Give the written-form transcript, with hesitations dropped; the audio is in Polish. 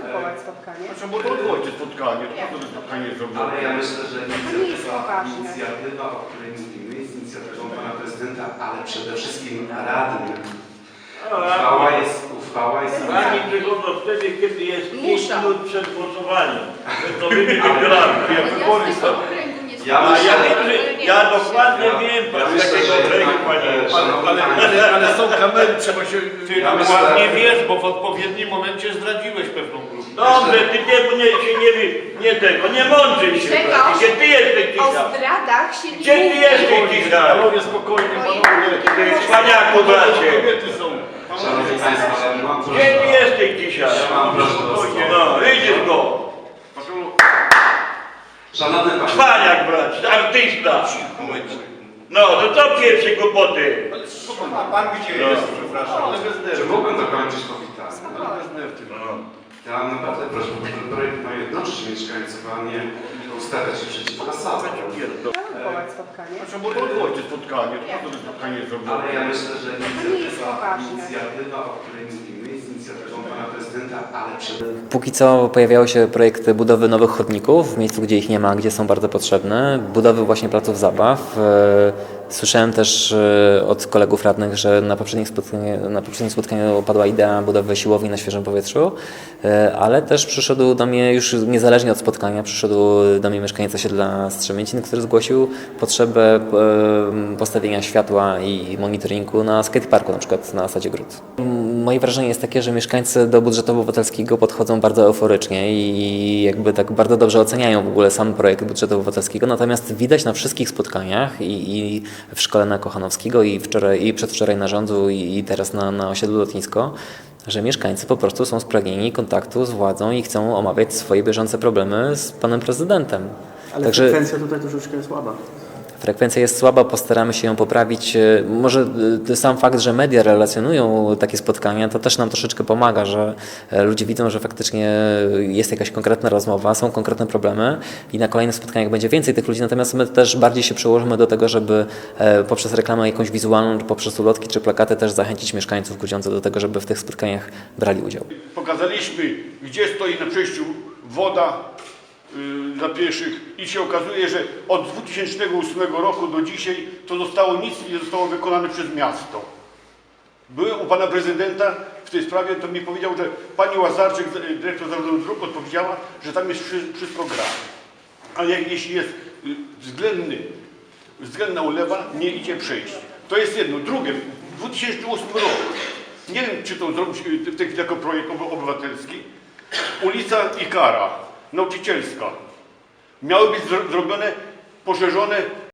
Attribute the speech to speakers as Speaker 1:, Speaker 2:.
Speaker 1: blokować spotkanie.
Speaker 2: Znaczy, bo to odwołajcie spotkanie, to spotkanie jest zrobione.
Speaker 3: Ale ja myślę, że
Speaker 1: poważne.
Speaker 3: inicjatywa, o której mówimy, jest inicjatywą pana prezydenta, ale przede wszystkim radnych. Uchwała jest...
Speaker 4: Pani przychodzą wtedy, kiedy jest 5 minut przed głosowaniem. To wy wygramy.
Speaker 2: Wybory są.
Speaker 4: Ja dokładnie wiem, z takiego okręgu, panie.
Speaker 2: Ale są kamery, trzeba się...
Speaker 4: Ty dokładnie wiesz, bo w odpowiednim momencie zdradziłeś pewną grupę. Dobrze, ty nie mądrzyj się. Gdzie ty jesteś
Speaker 1: O
Speaker 4: dzisiaj?
Speaker 1: zdradach się nie
Speaker 4: Gdzie ty jesteś dzisiaj?
Speaker 2: Panowie, spokojnie, panowie.
Speaker 4: Ty cwaniaku, bracie.
Speaker 2: Kobiety są.
Speaker 3: Szanowni Państwo, mam
Speaker 4: Gdzie ty jesteś dzisiaj?
Speaker 3: mam prośbę do
Speaker 4: No, widzisz go.
Speaker 3: Szanowny Panie,
Speaker 4: Cwaniak, bracie, artysta. No, to co pierwsze głupoty?
Speaker 2: A pan gdzie jest, przepraszam? Ale bez
Speaker 3: czy
Speaker 2: nerwy.
Speaker 3: mógłbym dokończyć powitanie?
Speaker 2: Ale bez nerwy.
Speaker 3: Ja mam naprawdę prośbę, bo ten projekt ma jednoczyć mieszkańców, a nie ustawiać się przeciwko sobie.
Speaker 1: blokować spotkanie.
Speaker 2: Znaczy, bo to odwołajcie spotkanie, to spotkanie jest zrobione.
Speaker 3: Ale ja myślę, że
Speaker 1: poważne.
Speaker 3: inicjatywa, o której mówimy, jest inicjatywą pana prezydenta, ale przede
Speaker 5: Póki co pojawiały się projekty budowy nowych chodników w miejscu, gdzie ich nie ma, gdzie są bardzo potrzebne, budowy właśnie placów zabaw. Słyszałem też od kolegów radnych, że na poprzednim spotkaniu padła idea budowy siłowni na świeżym powietrzu, ale też przyszedł do mnie, już niezależnie od spotkania, przyszedł do mnie mieszkaniec osiedla Strzemięcin, który zgłosił potrzebę postawienia światła i monitoringu na skateparku, na przykład na Sadzie Gród. Moje wrażenie jest takie, że mieszkańcy do budżetu obywatelskiego podchodzą bardzo euforycznie i jakby tak bardzo dobrze oceniają w ogóle sam projekt budżetu obywatelskiego, natomiast widać na wszystkich spotkaniach i w szkole na Kochanowskiego i przedwczoraj na Rządzu i teraz na osiedlu Lotnisko, że mieszkańcy po prostu są spragnieni kontaktu z władzą i chcą omawiać swoje bieżące problemy z panem prezydentem.
Speaker 6: Ale
Speaker 5: Także
Speaker 6: frekwencja tutaj troszeczkę słaba.
Speaker 5: frekwencja jest słaba, postaramy się ją poprawić. Może sam fakt, że media relacjonują takie spotkania, to też nam troszeczkę pomaga, że ludzie widzą, że faktycznie jest jakaś konkretna rozmowa, są konkretne problemy i na kolejnych spotkaniach będzie więcej tych ludzi, natomiast my też bardziej się przyłożymy do tego, żeby poprzez reklamę jakąś wizualną, czy poprzez ulotki, czy plakaty też zachęcić mieszkańców Grudziądza do tego, żeby w tych spotkaniach brali udział.
Speaker 2: Pokazaliśmy, gdzie stoi na przejściu woda dla pieszych i się okazuje, że od 2008 roku do dzisiaj nic nie zostało wykonane przez miasto. Byłem u pana prezydenta w tej sprawie, to mi powiedział, że pani Łazarczyk, dyrektor zarządu dróg, odpowiedziała, że tam jest wszystko gra. Ale jeśli jest względna ulewa, nie idzie przejść. To jest jedno. Drugie, w 2008 roku, nie wiem, czy to zrobić w tej chwili jako projekt obywatelski, ulica Ikara, nauczycielska. Miały być zrobione, poszerzone